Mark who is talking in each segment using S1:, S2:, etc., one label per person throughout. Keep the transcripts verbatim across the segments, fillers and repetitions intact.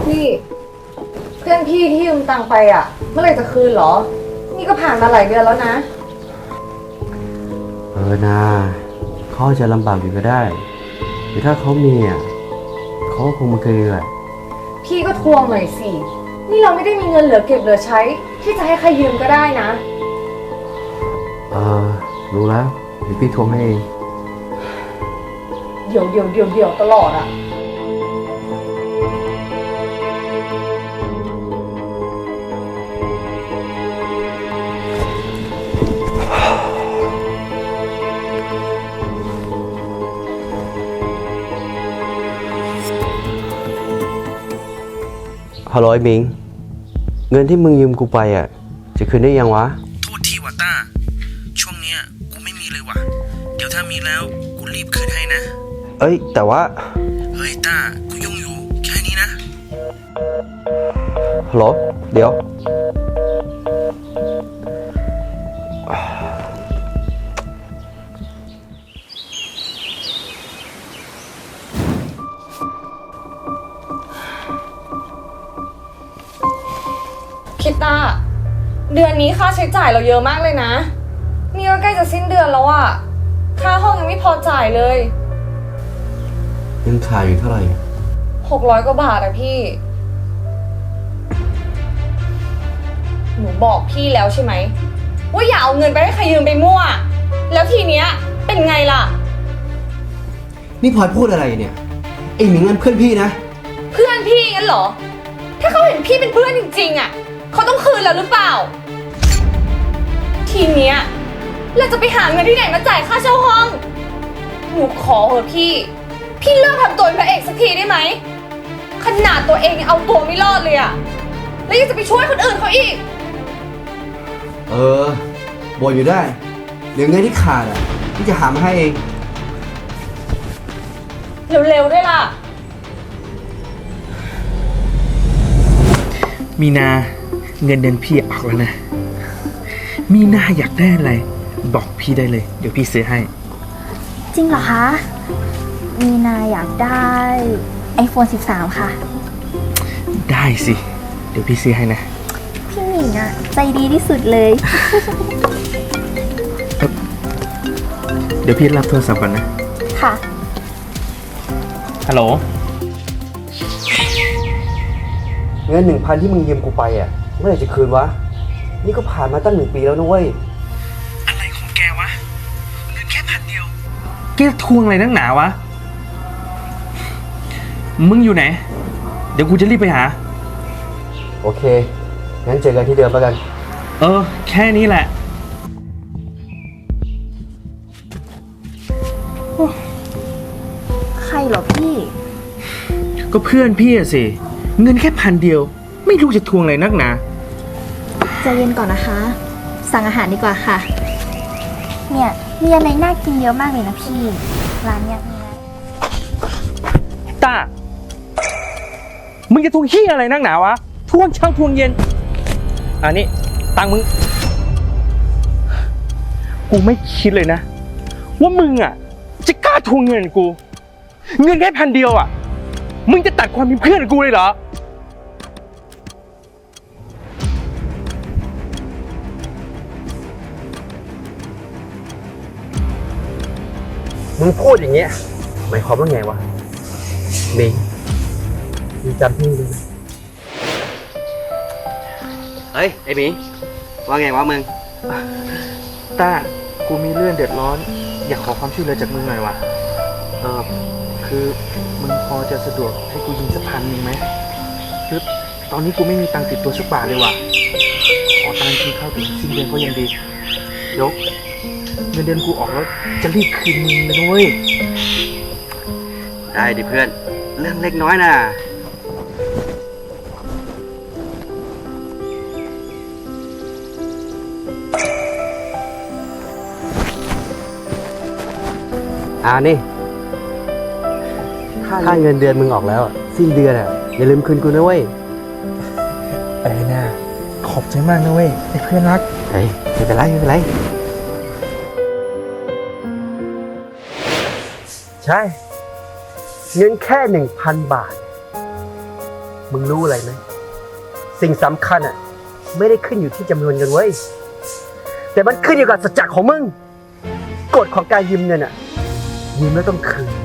S1: พี่เพื่อนพี่ที่ยืมตังค์ไปอ่ะเมื่อไหร่จะคืนเหรอนี่ก็ผ่านมาหลายเดือนแล้วนะ
S2: เออนาเขาจะลำบากอยู่ก็ได้หรือถ้าเขามีอ่ะเขาคงมาคืนแหละ
S1: พี่ก็ทวงหน่อยสินี่เราไม่ได้มีเงินเหลือเก็บเหลือใช้ที่จะให้ใครยืมก็ได้นะ
S2: เออรู้แล้วเดี๋ยวพี่ทวงให้เอง
S1: เดี๋ยวเดี๋ยวเดี๋ยวเดี๋ยวตลอดอ่ะ
S2: ฮัลโหลไอ้มิงเงินที่มึงยืมกูไปอ่ะจะคืนได้ยังวะ
S3: โทษทีว่ะต้าช่วงเนี้ยกูไม่มีเลยว่ะเดี๋ยวถ้ามีแล้วกูรีบคืนให้นะ
S2: เอ้ยแต่ว่า
S3: เฮ้ยต้ากูยุ่งอยู่แค่นี้นะ
S2: ฮัลโหลเดี๋ยว
S1: คิดตาเดือนนี้ค่าใช้จ่ายเราเยอะมากเลยนะนี่ก็ใกล้จะสิ้นเดือนแล้วอะค่าห้องยังไม่พอจ่ายเลย
S2: ยังขาดอยู่เท่าไหร่
S1: หกร้อยกว่าบาทอะพี่หนูบอกพี่แล้วใช่ไหมว่าอย่าเอาเงินไปให้ใครยืมไปมั่วแล้วทีเนี้ยเป็นไงล่ะ
S2: นี่พลอยพูดอะไรเนี่ยไอ้หมิงนั่นเพื่อนพี่นะ
S1: เพื่อนพี่งั้นเหรอถ้าเขาเห็นพี่เป็นเพื่อนจริงๆอะเขาต้องคืนแล้วหรือเปล่าทีเนี้ยเราจะไปหาเงินที่ไหนมาจ่ายค่าเช่าห้องหนูขอเถอะพี่พี่เลิกทำตัวเป็นพระเอกสักทีได้ไหมขนาดตัวเองยังเอาตัวไม่รอดเลยอะแล้วยังจะไปช่วยคนอื่นเขาอีก
S2: เออบ่นอยู่ได้เดี๋ยวเงินที่ขาดอ่ะพี่จะหามาให้เอง
S1: เร็วๆด้วยล่ะ
S3: มีนาเงินเดือนพี่ออกแล้วนะมีนาอยากได้อะไรบอกพี่ได้เลยเดี๋ยวพี่ซื้อให้
S4: จริงเหรอคะมีนาอยากได้ ไอโฟน สิบสาม ค่ะ
S3: ได้สิเดี๋ยวพี่ซื้อให้นะ
S4: พี่หมิงอะใจดีที่สุดเลย
S3: เดี๋ยวพี่รับโทรศัพท์ก่อนนะ
S4: ค่ะ
S3: ฮัลโหล
S2: เงินหนึ่งพันที่มึงยืมกูไปอ่ะเมื่อไหร่จะคืนวะนี่ก็ผ่านมาตั้งหนึ่งปีแล้วนะเว้ย
S3: อะไรของแกวะเงินแค่พันเดียวแกทวงอะไรนักหนาวะมึงอยู่ไหนเดี๋ยวกูจะรีบไปหา
S2: โอเคงั้นเจอกันที่เดิมแล้วกัน
S3: เออแค่นี้แหละ
S4: ใครเหรอพี่
S3: ก็เพื่อนพี่อะสิเงินแค่พันเดียวไม่รู้จะทวงอะไรนักหนา
S4: ใจเย็นก่อนนะคะสั่งอาหารดีกว่าค่ะเนี่ยมีอะไรน่ากินเยอะมากเลยนะพี่ร้านเนี้ยมีอะไร
S3: ตามึงจะทวงขี้อะไรนักหนาวะทวงเช้าทวงเย็นอันนี้ตังมึงกูไม่คิดเลยนะว่ามึงอ่ะจะกล้าทวงเงินกูเงินแค่พันเดียวอ่ะมึงจะตัดความเป็นเพื่อนกูเลยเหรอ
S2: มึงพูดอย่างเงี้ยหมายความว่าไงวะมิงมึงจำพี่ด้วยนะเฮ้ยไอ้มิงว่าไงวะมึง
S3: ต้ากูมีเรื่องเดือดร้อนอยากขอความช่วยเหลือจากมึงหน่อยวะเออคือมึงพอจะสะดวกให้กูยืมสักพันหนึ่งไหมคือตอนนี้กูไม่มีตังค์ติดตัวสักบาทเลยว่ะขอตังค์กินข้าวถึงสิ้นเดือนก็ยังดีเดี๋ยวเงินเดือนกูออกแล้วจะรีบคืนมึงเลยนะเว้ย
S2: ได้ดิเพื่อนเรื่องเล็กน้อยนะอ่านี่ค่าเงินเดือนมึงออกแล้วสิ้นเดือนอ่ะอย่าลืมคืนกูนะเว้ย
S3: เอ้ยนะขอบใจมากนะเว้ยไอ้เพื่อนรัก
S2: เฮ้ยไม่เป็นไรไม่เป็นไรใช่เงินแค่หนึ่งพันบาทมึงรู้อะไรไหมสิ่งสำคัญอ่ะ ไม่ได้ขึ้นอยู่ที่จำนวนเงินเว้ยแต่มันขึ้นอยู่กับสัจจะของมึงกฎของการยืมเงินอ่ะยืมแล้วต้องคืน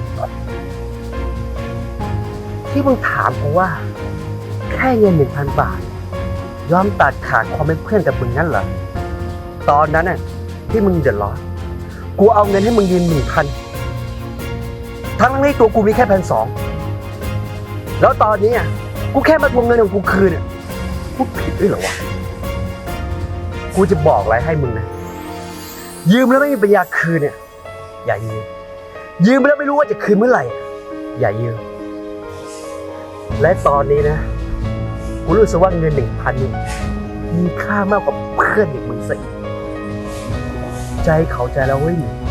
S2: ที่มึงถามเพราะว่า แค่เงินหนึ่งพันบาทยอมตัดขาดความเป็นเพื่อนกับมึงนั่นเหรอตอนนั้นน่ะที่มึงเดือดร้อนกูเอาเงินให้มึงยืมหนึ่งพันทั้งทั้งที่ตัวกูมีแค่พันสองแล้วตอนนี้อ่ะกูแค่มาทวงเงินของกูคืนอ่ะกูผิดด้วยเหรอวะกูจะบอกอะไรให้มึงนะยืมแล้วไม่มีปัญญาคืนเนี่ยอย่ายืมยืมแล้วไม่รู้ว่าจะคืนเมื่อไหร่อย่ายืมและตอนนี้นะกูรู้สึกว่าเงินหนึ่งพันนี้มีค่ามากกว่าเพื่อนอย่างมึงซะอีกใจเขาใจแล้วเว้ย